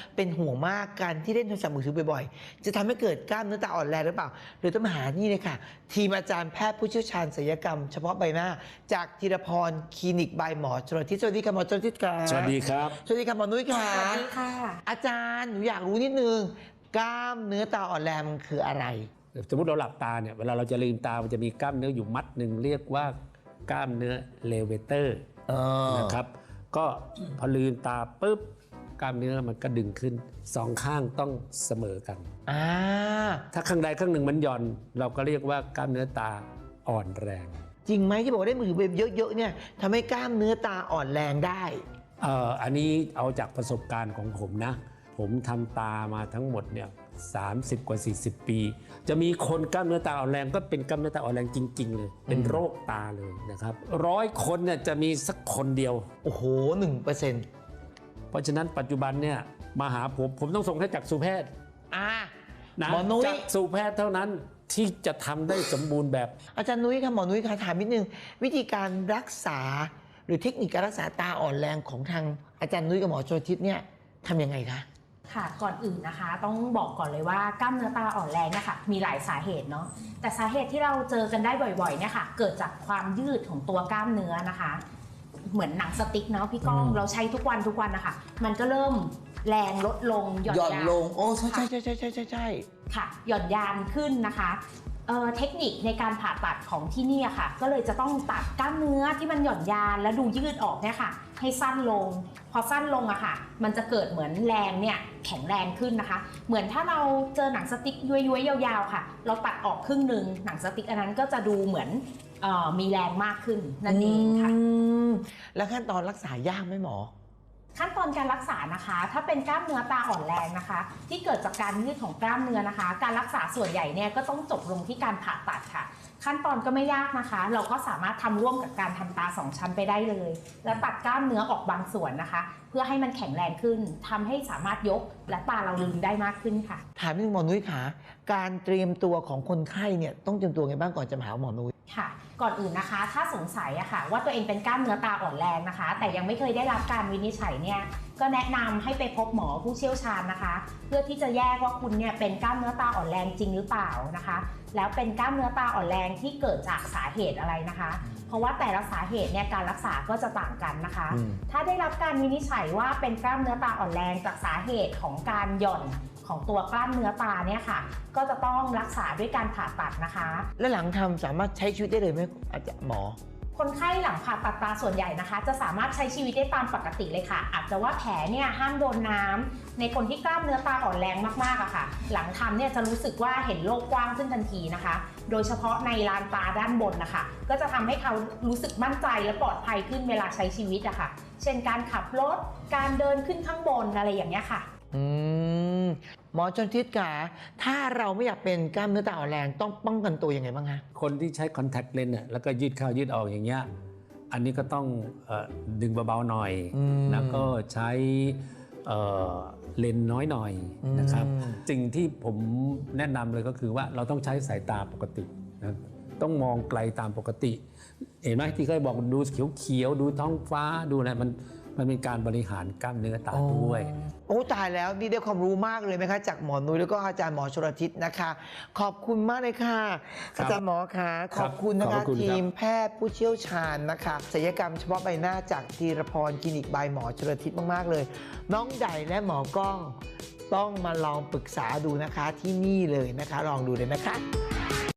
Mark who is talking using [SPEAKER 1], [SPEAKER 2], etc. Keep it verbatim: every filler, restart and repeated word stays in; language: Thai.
[SPEAKER 1] เป็นห่วงมากการที่เล่นโทรศัพท์มือถือบ่อยๆจะทำให้เกิดกล้ามเนื้อตาอ่อนแรงหรือเปล่าหรือต้องมาหานี่เลยค่ะทีมอาจารย์แพทย์ผู้เชี่ยวชาญศัลยกรรมเฉพาะใบหน้าจากธีรพรคลินิกบายหมอชลทิศสวัสดีค่ะหมอชลทิศค่ะ
[SPEAKER 2] สวัสดีครับ
[SPEAKER 1] สวัสดีค่ะหมอนุ้ยค่ะ
[SPEAKER 3] สวัสดีค่ะ
[SPEAKER 1] อาจารย์หนูอยากรู้นิดนึงกล้ามเนื้อตาอ่อนแรงมันคืออะไร
[SPEAKER 2] สมมติเราหลับตาเนี่ยเวลาเราจะลืมตามันจะมีกล้ามเนื้ออยู่มัดหนึ่งเรียกว่ากล้ามเนื้อเลเวเตอร์นะครับก็พอลืมตาปุ๊บกล้ามเนื้อมันก็ดึงขึ้นสองข้างต้องเสมอกันถ้าข้างใดข้างหนึ่งมันหย่อนเราก็เรียกว่ากล้ามเนื้อตาอ่อนแรง
[SPEAKER 1] จริงไหมที่บอกว่าได้มือถือเยอะๆเนี่ยทำให้กล้ามเนื้อตาอ่อนแรงได้
[SPEAKER 2] เอ่ออันนี้เอาจากประสบการณ์ของผมนะผมทำตามาทั้งหมดเนี่ยสามสิบกว่าสี่สิบปีจะมีคนกล้ามเนื้อตาอ่อนแรงก็เป็นกล้ามเนื้อตาอ่อนแรงจริงๆเลยเป็นโรคตาเลยนะครับร้อยคนเนี่ยจะมีสักคนเดียว
[SPEAKER 1] โอ้โหหนึ่งเปอร์เซ็นต์
[SPEAKER 2] เพราะฉะนั้นปัจจุบันเนี่ยมาหาผมผมต้องส่งให้จักษุแพทย์
[SPEAKER 1] อ่า
[SPEAKER 2] นะจักษุแพทย์เท่านั้นที่จะทำได้สมบูรณ์แบบ
[SPEAKER 1] อาจารย์นุ้ยค่ะหมอนุ้ยค่ะถามนิดนึงวิธีการรักษาหรือเทคนิคการรักษาตาอ่อนแรงของทางอาจารย์นุ้ยกับหมอชลทิศเนี่ยทำยังไงคะ
[SPEAKER 3] ค่ะก่อนอื่นนะคะต้องบอกก่อนเลยว่ากล้ามเนื้อตาอ่อนแรงนะคะมีหลายสาเหตุเนาะแต่สาเหตุที่เราเจอกันได้บ่อยๆเนี่ยค่ะเกิดจากความยืดของตัวกล้ามเนื้อนะคะเหมือนหนังสติ๊กเนาะพี่ก้องเราใช้ทุกวันทุกวันนะคะมันก็เริ่มแรงลดลง
[SPEAKER 1] หย่อนยานลงโอ้ใช่ใช่ใช่ใช่ใช่ใช่ใช่
[SPEAKER 3] ค่ะหย่อนยานขึ้นนะคะเอ่อเทคนิคในการผ่าตัดของที่นี่ค่ะก็เลยจะต้องตัดกล้ามเนื้อที่มันหย่อนยานและดูยืดออกเนี่ยค่ะให้สั้นลงพอสั้นลงอะค่ะมันจะเกิดเหมือนแรงเนี่ยแข็งแรงขึ้นนะคะเหมือนถ้าเราเจอหนังสติ๊กย้วยๆยาวๆค่ะเราตัดออกครึ่งหนึ่งหนังสติ๊กอันนั้นก็จะดูเหมือนเอ่อมีแรงมากขึ้นนั่นเองค่ะ
[SPEAKER 1] แล้วขั้นตอนรักษายากไหมหมอ
[SPEAKER 3] ขั้นตอนการรักษานะคะถ้าเป็นกล้ามเนื้อตาอ่อนแรงนะคะที่เกิดจากการยืดของกล้ามเนื้อนะคะการรักษาส่วนใหญ่เนี่ยก็ต้องจบลงที่การผ่าตัดค่ะขั้นตอนก็ไม่ยากนะคะเราก็สามารถทำร่วมกับการทำตาสองชั้นไปได้เลยแล้วตัดกล้ามเนื้อออกบางส่วนนะคะเพื่อให้มันแข็งแรงขึ้นทำให้สามารถยกและตาเราลืมได้มากขึ้นค่ะ
[SPEAKER 1] ถามนิดนึงหมอนุ้ยค่ะการเตรียมตัวของคนไข้เนี่ยต้องเตรียมตัวไงบ้างก่อนจะมาหาหมอนุ้ย
[SPEAKER 3] ค่ะก่อนอื่นนะคะถ้าสงสัยอะค่ะว่าตัวเองเป็นกล้ามเนื้อตาอ่อนแรงนะคะแต่ยังไม่เคยได้รับการวินิจฉัยเนี่ยก็แนะนำให้ไปพบหมอผู้เชี่ยวชาญนะคะเพื่อที่จะแยกว่าคุณเนี่ยเป็นกล้ามเนื้อตาอ่อนแรงจริงหรือเปล่านะคะแล้วเป็นกล้ามเนื้อตาอ่อนแรงที่เกิดจากสาเหตุอะไรนะคะเพราะว่าแต่ละสาเหตุเนี่ยการรักษาก็จะต่างกันนะคะถ้าได้รับการวินิจฉัยว่าเป็นกล้ามเนื้อตาอ่อนแรงจากสาเหตุของการหย่อนของตัวกล้ามเนื้อตาเนี่ยค่ะก็จะต้องรักษาด้วยการผ่าตัดนะคะ
[SPEAKER 1] และหลังทำสามารถใช้ชีวิตได้เลยไหมอาจารย์หมอ
[SPEAKER 3] คนไข้หลังผ่าตัดตาส่วนใหญ่นะคะจะสามารถใช้ชีวิตได้ตามปกติเลยค่ะอาจจะว่าแผลเนี่ยห้ามโดนน้ำในคนที่กล้ามเนื้อตาอ่อนแรงมากๆอะค่ะหลังทำเนี่ยจะรู้สึกว่าเห็นโลกกว้างขึ้นทันทีนะคะโดยเฉพาะในลานตาด้านบนนะคะก็จะทำให้เขารู้สึกมั่นใจและปลอดภัยขึ้นเวลาใช้ชีวิตอะค่ะเช่นการขับรถการเดินขึ้นข้างบนอะไรอย่างเงี้ยค่ะ
[SPEAKER 1] อืมหมอชลทิศค่ะถ้าเราไม่อยากเป็นกล้ามเนื้อตาอ่อนแรงต้องป้องกันตัวยังไงบ้างคะ
[SPEAKER 2] คนที่ใช้คอนแทคเลนส์เนี่ยแล้วก็ยืดเข้ายืดออกอย่างเงี้ยอันนี้ก็ต้องเอ่อดึงเบาๆหน่อยแล้วก็ใช้เอ่อเลนส์น้อยหน่อยนะครับสิ่งที่ผมแนะนำเลยก็คือว่าเราต้องใช้สายตาปกตินะต้องมองไกลตามปกติเห็นไหมที่เคยบอกดูเขียวๆดูท้องฟ้าดูอะไรมันมันเป็นการบริหารกล้ามเนื้อตาด้วย
[SPEAKER 1] โอ้ตายแล้วนี่ได้ความรู้มากเลยไหมคะจากหมอนุ้ยแล้วก็อาจารย์หมอชลทิศนะคะขอบคุณมากเลยค่ะอาจารย์หมอคะขอบคุณนะคะทีมแพทย์ผู้เชี่ยวชาญนะคะศัลยกรรมเฉพาะใบหน้าจากธีรพรคลินิกบายหมอชลทิศมากๆเลยน้องใหญ่และหมอกล้องต้องมาลองปรึกษาดูนะคะที่นี่เลยนะคะลองดูเลยนะคะ